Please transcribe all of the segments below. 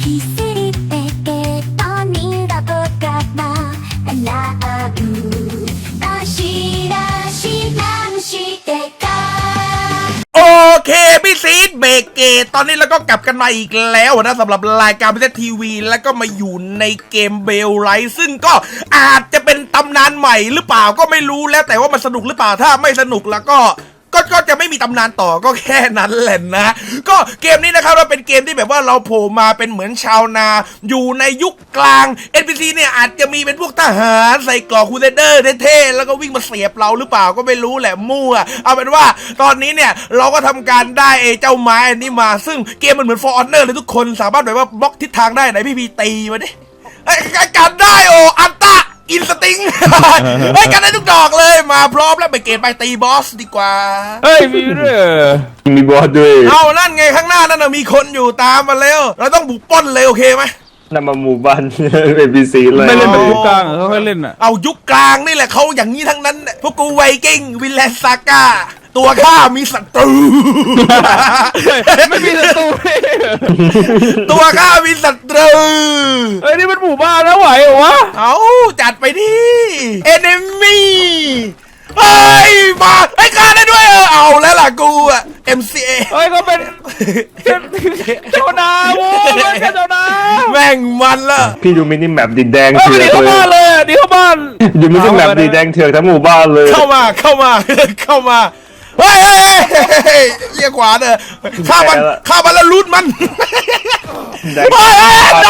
โอเคพี่ซีดเบเกตตอนนี้เราก็กลับกันมาอีกแล้วนะสำหรับรายการพิเศษทีวีแล้วก็มาอยู่ในเกมเบลไลท์ซึ่งก็อาจจะเป็นตำนานใหม่หรือเปล่าก็ไม่รู้แล้วแต่ว่ามันสนุกหรือเปล่าถ้าไม่สนุกแล้วก็จะไม่มีตำนานต่อก็แค่นั้นแหละนะก็เกมนี้นะครับเราเป็นเกมที่แบบว่าเราโผล่มาเป็นเหมือนชาวนาอยู่ในยุคกลาง NPC เนี่ยอาจจะมีเป็นพวกทหารใส่กรอกคูเซเดอร์เท่ๆแล้วก็วิ่งมาเสียบเราหรือเปล่าก็ไม่รู้แหละมั่วเอาเป็นว่าตอนนี้เนี่ยเราก็ทำการได้เจ้าไม้อันนี้มาซึ่งเกมมันเหมือน For Honor เลยทุกคนสามารถแบบว่าบล็อกทิศทางได้ไหนพี่ตีมาดิการได้โออันตะอินสติ้งเฮ้ยกันได้ทุกดอกเลยมาพร้อมแล้วไปเกณฑ์ไปตีบอสดีกว่าเฮ้ยมีด้วยมีบอสด้วยเอานั่นไงข้างหน้านั่นมีคนอยู่ตามมาแล้วเราต้องบุกปล้นเลยโอเคไหมนั่นมาหมู่บ้านNPCเลยไม่เล่นแบบยุคกลางเขาค่อยเล่นอ่ะเอายุคกลางนี่แหละเขาอย่างนี้ทั้งนั้นพวกกูไวกิ้งวิลเลนซาก้าตัวข้ามีศัตรูไม่มีศัตรูตัวข้ามีศัตรูเฮ้ยนี่มันหมู่บ้านแล้วไหวเหรอวะเอาจัดไปดิเอนมี่เฮ้ยมาไอ้ฆ่าได้ด้วยเอาแล้วล่ะกูอะ MCA เฮ้ยเขาเป็นเจ้านาโว้ยเจ้านาแม่งมันละพี่ดูมินิแมปดินแดงเถื่อนเลยดีเข้าบ้านดูมินิแมปดินแดงเถื่อนทั้งหมู่บ้านเลยเข้ามาเฮ้ยเรียกขวาเด้อฆ่ามันแล้วลูดมันด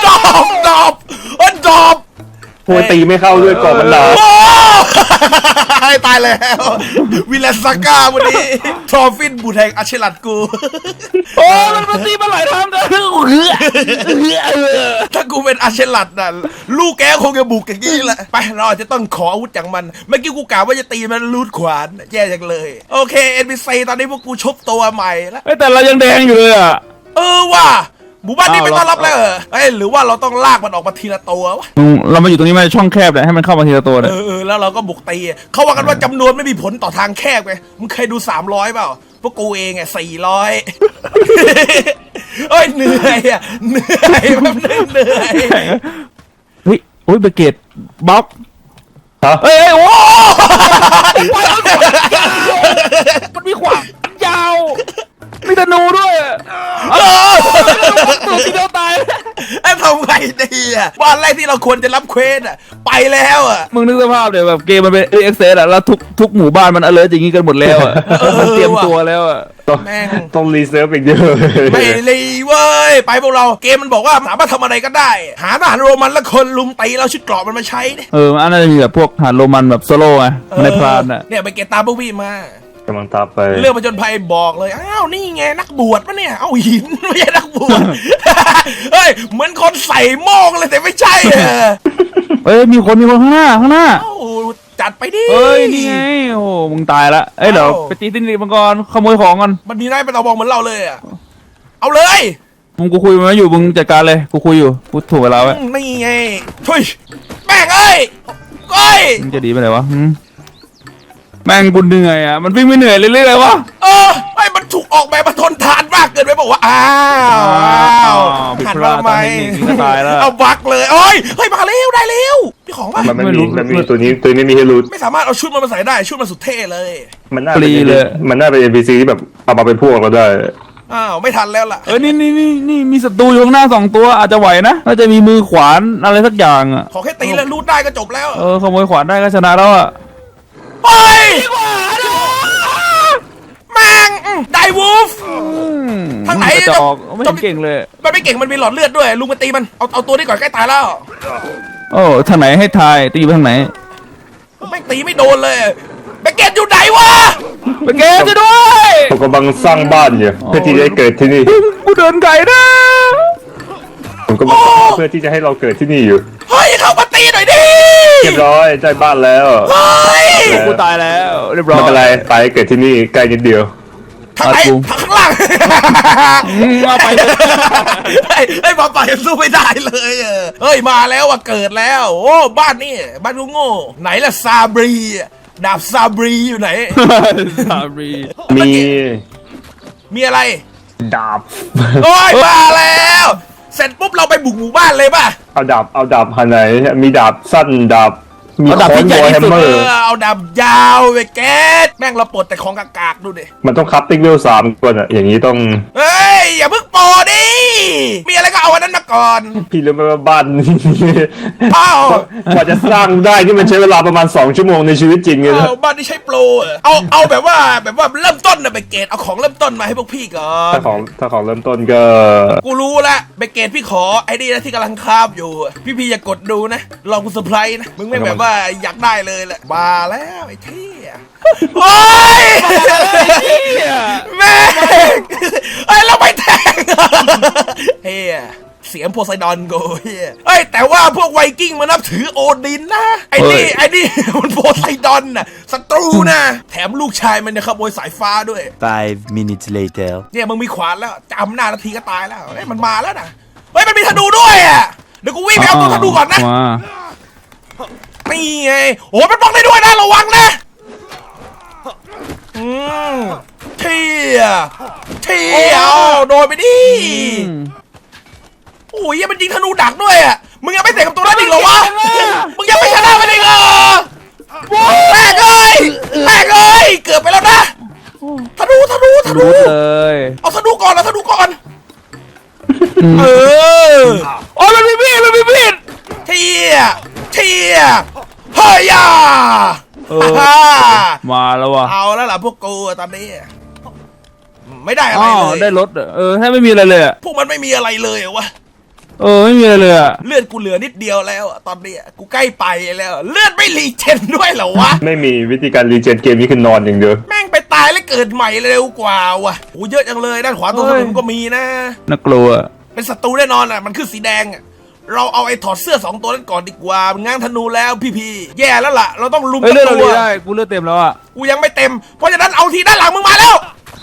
อบโหตีไม่เข้าด้วยก่อนมันหนาตายแล้ววิลเลนซาก้าวันนี้ทรอฟินบูแทงอาเชลัดกูโอ้มันตีมาหลายทางนะถ้ากูเป็นอาเชลัดน่ะลูกแกคงจะบุกอย่างนี้แหละไปเราจะต้องขออาวุธจากมันเมื่อกี้กูกล่าวว่าจะตีมันลูดขวานแย่จังเลยโอเค NPC ตอนนี้พวกกูชบตัวใหม่แล้วแต่เรายังแดงอยู่เลยอ่ะว่ะหมู่บ้านนี้ไม่ต้อนรับแล้วหรือว่าเราต้องลากมันออกมาทีละตัววะเรามาอยู่ตรงนี้มาช่องแคบเลยให้มันเข้ามาทีละตัวเลยแล้วเราก็บุกตีเขาว่ากันว่าจำนวนไม่มีผลต่อทางแคบไงมึงเคยดู300เปล่าพวกกูเองไง400เหนื่อยแบบเหนื่อยเฮ้ยโอ้ยเบเกตบ๊อบเฮ้ยโอ้มันมีขวานยาวมีธนูด้วยตัวที่เดียวตายทำไงดีบ้านแรกที่เราควรจะรับเควสไปแล้วมึงนึกสภาพเดี๋ยวแบบเกมมันเป็นเอ็กเซสแล้วทุกหมู่บ้านมันalertอย่างงี้กันหมดแล้วมันเตรียมตัวแล้วต้องรีเซิร์ฟอีกเยอะไม่รีเว้ยไปพวกเราเกมมันบอกว่าสามารถทำอะไรก็ได้หาทหารโรมันแล้วคนลุมตีเราชุดเกราะมันมาใช้อันนั้นจะมีแบบพวกทหารโรมันแบบโซโล่ไงในพรานเนี่ยไปเกตตามพวกพี่มากำลังตามไปเรื่องผจญภัยบอกเลยอ้าวนี่ไงนักบวชปะเนี่ยเอาหินไม่ใช่นักบวชเฮ้ยเหมือนคนใส่โม่งเลยแต่ไม่ใช่มีคนข้างหน้าจัดไปดินี่ไงโอ้มึงตายละเดี๋ยวไปตีตินมังกรขโมยของกันมันมีนายไปต่อบองเหมือนเราเลยเอาเลยกูคุยมาอยู่มึงจัดการเลยกูคุยอยู่กูถูกเวลาไว้นี่ไงทุยแม่งมึงจะดีไปไหนวะแม่งบุญเหนื่อยมันวิ่งไม่เหนื่อยเรื่อยๆเลยวะไม่มันถูกออกแบบมาทนทานมากเกินไปบอกว่าหันมาทำไมตายแล้วเอาบักเลยเฮ้ยมาเร็วได้เร็วพี่ของป่ะมันมีตัวนี้มีให้รู้ไม่สามารถเอาชุดมันมาใส่ได้ชุดมันสุดเท่เลยมันน่าเป็น NPC ที่แบบเอามาเป็นพวกเราได้ไม่ทันแล้วล่ะนี่มีศัตรูอยู่ข้างหน้า2ตัวอาจจะไหวนะน่าจะมีมือขวานอะไรสักอย่างขอแค่ตีแล้วรูดได้ก็จบแล้วขโมยขวานได้ก็ชนะแล้วไปดีกว่าแม่งไดวูฟทางไหนจะออกไม่เก่งเลยมันไม่เก่งมันมีหลอดเลือดด้วยลุงมาตีมันเอาตัวนี้ก่อนใกล้ตายแล้วทางไหนให้ทายตีไปทางไหนไม่ตีไม่โดนเลยไปเกตอยู่ไหนวะไปเกตจะด้วยผมกำลังสร้างบ้านอยู่เพื่อที่จะเกิดที่นี่กูเดินไก่นะผมก็เพื่อที่จะให้เราเกิดที่นี่อยู่เฮ้ยเข้ามาตีหน่อยดิเรียบร้อยได้บ้านแล้วกูตายแล้วเรียบร้อยไม่เป็นไรไปเกิดที่นี่ใกล้นิดเดียวทางไหนข้างล่างมาไปมาไปสู้ไม่ได้เลยเฮ้ยมาแล้วเกิดแล้วโอ้บ้านนี่บ้านโง่ไหนล่ะซาบรีดาบซาบรีอยู่ไหนซาบรีมีอะไรดาบโอ้ยมาแล้วเสร็จปุ๊บเราไปบุกหมู่บ้านเลยป่ะเอาดาบหันไหนมีดาบสั้นดาบมีเอาดาบค้อที่นใหญ่วอที่แฮมสุดเมอร์เอาดาบยาวไปแก๊สแม่งเราปลดแต่ของกากๆดูดิมันต้องคัพติ้งเวล3ก่อนอะอย่างนี้ต้องเฮ้ยอย่าเพิ่งโปรดิมีอะไรก็เอาอันนั้นมาก่อนพี่รู้ไหมว่าบ้านอ้าวกว่าจะสร้างได้ที่มันใช้เวลาประมาณ2 ชั่วโมงในชีวิตจริงเลยนะเอาบ้านที่ใช้โปรอะเอาแบบว่าเริ่มต้นนะเบเกตเอาของเริ่มต้นมาให้พวกพี่ก่อนถ้าของเริ่มต้นก็กูรู้ละเบเกตพี่ขอไอ้นี่นะที่กำลังคาบอยู่พี่อย่ากดดูนะลองกูเซอร์ไพรส์นะมึงไม่แบบว่าอยากได้เลยแหละมาแล้วไอ้เท่โอ้ยแม่งไอ้เราไปแทงเฮียเสียงโพไซดอนกูเฮียเอ้ยแต่ว่าพวกไวกิ้งมันนับถือโอดินนะไอ้นี่มันโพไซดอนน่ะศัตรูนะแถมลูกชายมันเนี่ยขโมยสายฟ้าด้วย 5 minutes later. เนี่ยมึงมีขวานแล้วจำหน้านาทีก็ตายแล้วเฮ้ยมันมาแล้วนะเฮ้ยมันมีธนูด้วยอ่ะเดี๋ยวกูวิ่งไปเอาตัวธนูก่อนนะมานี่ไงโอ้มันป้องได้ด้วยนะระวังนะเที่ยโดนไปดิโอ้ยมันยิงธนูดักด้วยอ่ะมึงยังไม่เตะกับตัวนั้นอีกเหรอวะมึงยังไม่ชนะมันอีกเหรอแม่งเอ้ยเกือบไปแล้วนะธนูรู้เลยเอาธนูก่อนเออโอ้ยมันมีมีดเที่ยเฮ้ยยามาแล้วว่ะเอาแล้วล่ะพวกกูตอนนี้ไม่ได้อะอ๋ไรอเลยได้รถแค่ไม่มีอะไรเลยอะพวกมันไม่มีอะไรเลยวะไม่มีอะไรเลยอะเลือดกูเหลือนิดเดียวแล้วอะตอนนี้กูใกล้ไปแล้วเลือดไม่รีเจนด้วยเหรอวะไม่มีวิธีการรีเจนเกมนี้คือนอนอย่างเดียวแม่งไปตายแล้วเกิดใหม่เร็วกว่าวะโอ้เยอะจังเลยด้านขวาตรงถนนก็มีนะน่ากลัวเป็นศัตรูแน่นอนอ่ะมันคือสีแดงอ่ะเราเอาไอ้ถอดเสื้อ2ตัวนั้นก่อนดีกว่ามันง้างธนูแล้วพี่แย่แล้วล่ะเราต้องลุมเฮ้ยกับเลือดเราตัวดีได้กูเลือดเต็มแล้วอะกูยังไม่เต็มเพราะฉะนั้นเอาทีด้านหลังมึงมาแล้ว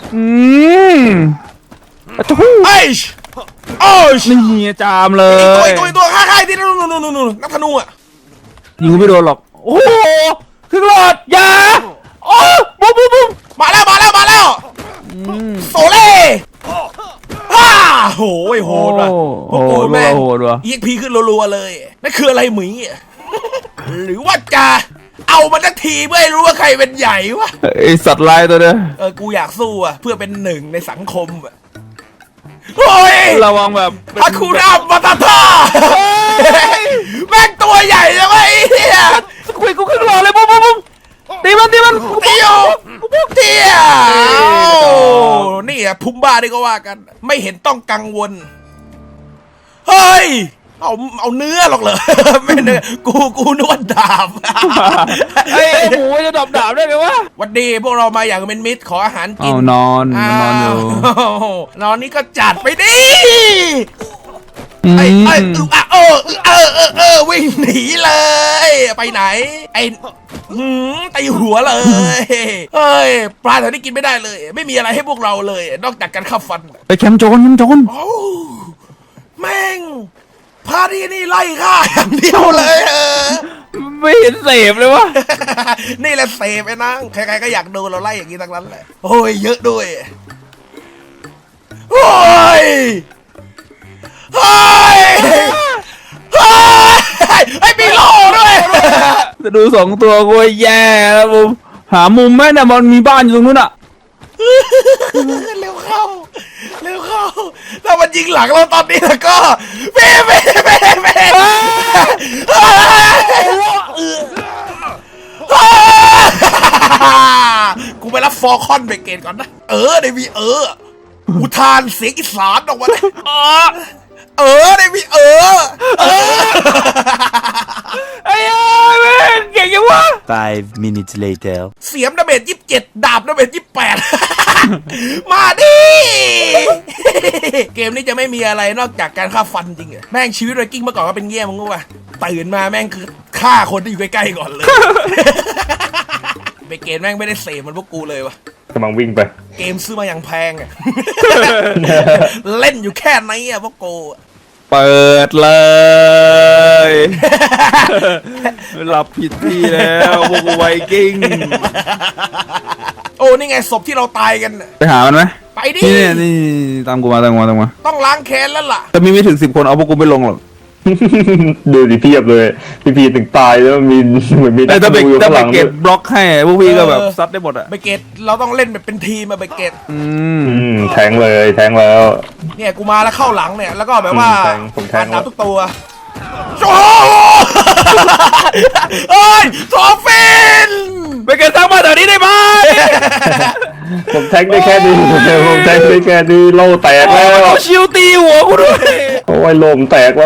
อะทูไอ้โอ้ยนี่จามเลยอีกตัวค่ายที่นู่นนักธนูอ่ะยิงกูไม่โดนหรอกโอ้โหครึ่งหลอดยาโอ้บุ้มมาแล้วโซเล่ฮ่าโหยโหดว่ะพวกกูแม่งโหดว่ะ EXP ขึ้นรัวๆเลยนั่นคืออะไรหมีอะหรือว่าจะเอามันสักทีเพื่อให้รู้ว่าใครเป็นใหญ่วะไอสัตว์ลายตัวเนี้ยกูอยากสู้อ่ะเพื่อเป็นหนึ่งในสังคมอ่ะโอ้ยระวังแบบฮาคุระมาตาท่าแม่งตัวใหญ่จังวะไอ้เหี้ยคุยกูครึ่งหลอดเลยบุ้มตีมันเตียวเตียนี่อ่ะพุมบ้าได้ก็ว่ากัน ไม่เห็นต้องกังวลเฮ้ยเอาเนื้อหรอกเหรอไม่เนื้อกูนวดดาบไอ้หมูจะดาบได้ไงวะวันดีพวกเรามาอย่างเป็นมิตรขออาหารกินนอนอยู่นอนนี่ก็จัดไปดิวิ่งหนีเลย ไปไหน ตีหัวเลยเฮ้ยปลาแถวนี้กินไม่ได้เลย ไม่มีอะไรให้พวกเราเลย นอกจากการฆ่าฟันไปแคมป์โจรโอ้แม่งพาที่นี่ไล่ฆ่าอย่างเดียวเลยไม่เห็นเสพเลยวะนี่แหละเสพไอ้นางใครๆก็อยากดูเราไล่อย่างนี้ทั้งนั้นแหละโอ้ยเยอะด้วยโอ้ยไอ้มีโล่ด้วยจะดู2 ตัวกูแย่แล้วบุ้มหามุมแม่เนี่ยมันมีบ้านอยู่ตรงนู้นอะเร็วเข้าถ้ามันยิงหลังเราตอนนี้แล้วก็เม่กูไปรับฟอร์คอนเบรกเกตก่อนนะได้มีอุทานเสียงอีสานออกมาเลยได้มีไอ้แม่งเก่งยังวะ 5 minutes later. เสียมดาเมจ27ดาบดาเมจ28มาดิ เกมนี้จะไม่มีอะไรนอกจากการฆ่าฟันจริงเหรอแม่งชีวิตไวกิ้งเมื่อก่อนก็เป็นเงี้ยมึงรู้ป่ะตื่นมาแม่งคือฆ่าคนที่อยู่ใกล้ๆก่อนเลย ไปเกมแม่งไม่ได้เสพมันพวกกูเลยวะกำลังวิ่งไปเกมซื้อมาอย่างแพงอะ เล่นอยู่แค่ไหนอะพวกกูเปิดเลยหลับผิดที่แล้วพวกไวกิ้งโอ้นี่ไงศพที่เราตายกันน่ะไปหามันไหมไปดินี่ตามกูมาต้องล้างแค้นแล้วล่ะแต่มีไม่ถึง10 คนเอาพวกกูไม่ลงหรอกดูดิเพียบเลยพี่ถึงตายแล้วมีเหมือนมีแต่ถ้าไปดูอยู่ถ้าข้างหไปลังเก็บบล็อกให้พวกพี่ก็แบบเออซัดได้หมดอ่ะเบเกตเราต้องเล่นแบบเป็นทีมอะเบเกตแทงเลยแทงแล้วเนี่ยกูมาแล้วเข้าหลังเนี่ยแล้วก็แบบว่าผมแทงน้ำทุกตัวโอ้เอ้ยโซฟินไปเก็บตังค์มาแถวนี้ได้ไหมผมแทงได้แค่นี้ผมแทงได้แค่นี้โล่แตกแล้วเอาชิวตีหัวกูด้วยโอ้ยลมแตกแล้ว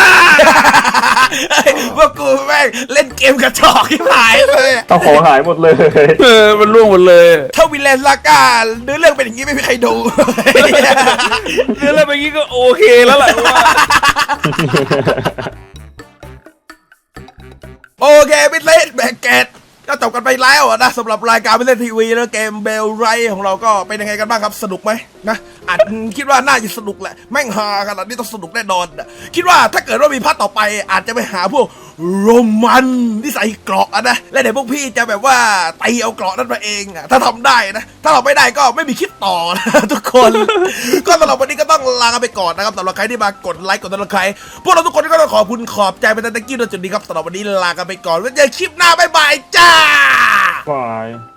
พวกกูแม่งเล่นเกมกระจอกที่หายเลยอะต้องของหายหมดเลยมันล่วงหมดเลยถ้าวิลเลนลาก้าเนื้อเรื่องเป็นอย่างนี้ไม่มีใครดูเรื่องอะไรแบบนี้ก็โอเคแล้วแหละว่าโอเคพิเศษแบกเกตก็จบกันไปแล้วอะนะสำหรับรายการพิเศษทีวีแล้วเกมเบลไรของเราก็เป็นยังไงกันบ้างครับสนุกไหมนะอาจคิดว่าน่าจะสนุกแหละแม่งฮาขนาดนี้ต้องสนุกแน่นอนอะคิดว่าถ้าเกิดว่ามีพาร์ทต่อไปอาจจะไปหาพวกโรมันที่ใส่เกราะอะนะและเดี๋ยวพวกพี่จะแบบว่าตีเอาเกราะนั้นมาเองอะถ้าทำได้นะถ้าเราไม่ได้ก็ไม่มีคลิปต่อนะ ทุกคน ก็สำหรับวันนี้ก็ต้องลากันไปก่อนนะครับสำหรับใครที่มากดไลค์กดติดตามใครพวกเราทุกคนก็ต้องขอบคุณขอบใจไปตั้งแต่กี้จนจุดนี้ครับสำหรับวันนี้ลากันไปก่อนไว้เจอคลิปหน้าบ๊ายบายจ้าบาย